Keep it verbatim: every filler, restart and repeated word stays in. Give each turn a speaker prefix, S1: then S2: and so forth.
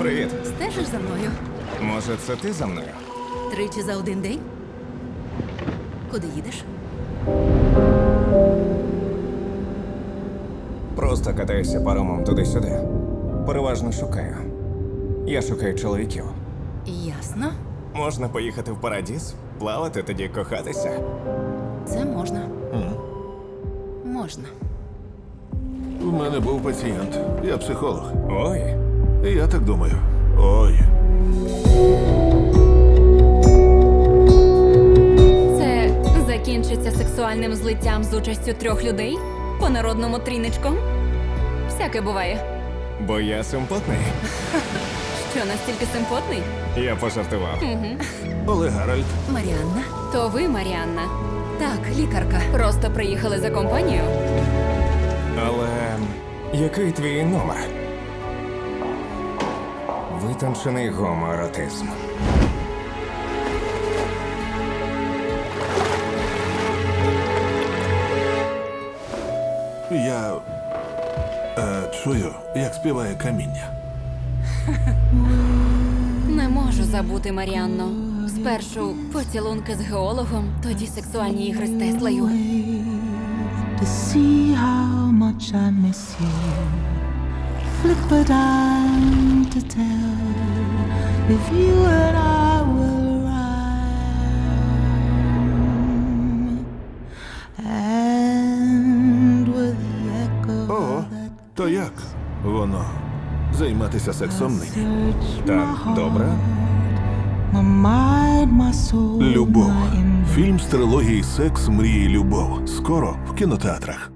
S1: Привіт.
S2: Стежиш за мною?
S1: Може, це ти за мною?
S2: Тричі за один день? Куди їдеш?
S1: Просто катаюся паромом туди-сюди. Переважно шукаю. Я шукаю чоловіків.
S2: Ясно.
S1: Можна поїхати в Парадіз, плавати, тоді кохатися.
S2: Це можна. Можна.
S3: У мене був пацієнт. Я психолог.
S1: Ой,
S3: І я так думаю. Ой.
S4: Це закінчиться сексуальним злиттям з участю трьох людей? По-народному тріничком? Всяке буває.
S1: бо я симпотний.
S4: Що, настільки симпотний?
S1: Я пожартував.
S3: Олег Гаральд.
S2: Маріанна?
S4: То ви, Маріанна,
S2: Так, лікарка.
S4: просто приїхали за компанію?
S1: Але який твій номер? Витончений гомоеротизм.
S3: Я е, чую, як співає каміння.
S4: Не можу забути, Маріанно. Спершу поцілунки з геологом, тоді сексуальні ігри з Теслою.
S5: To see how much I miss you. Flip a dime to tell if you and I will rhyme. And with the echo
S3: Ого, то як воно займатися сексом нині?
S5: search
S1: Так,
S5: my
S1: добре.
S5: heart, my mind, my soul,
S3: Любов.
S5: my
S3: Фільм з трилогії Секс, мрії, любов. Скоро в кінотеатрах.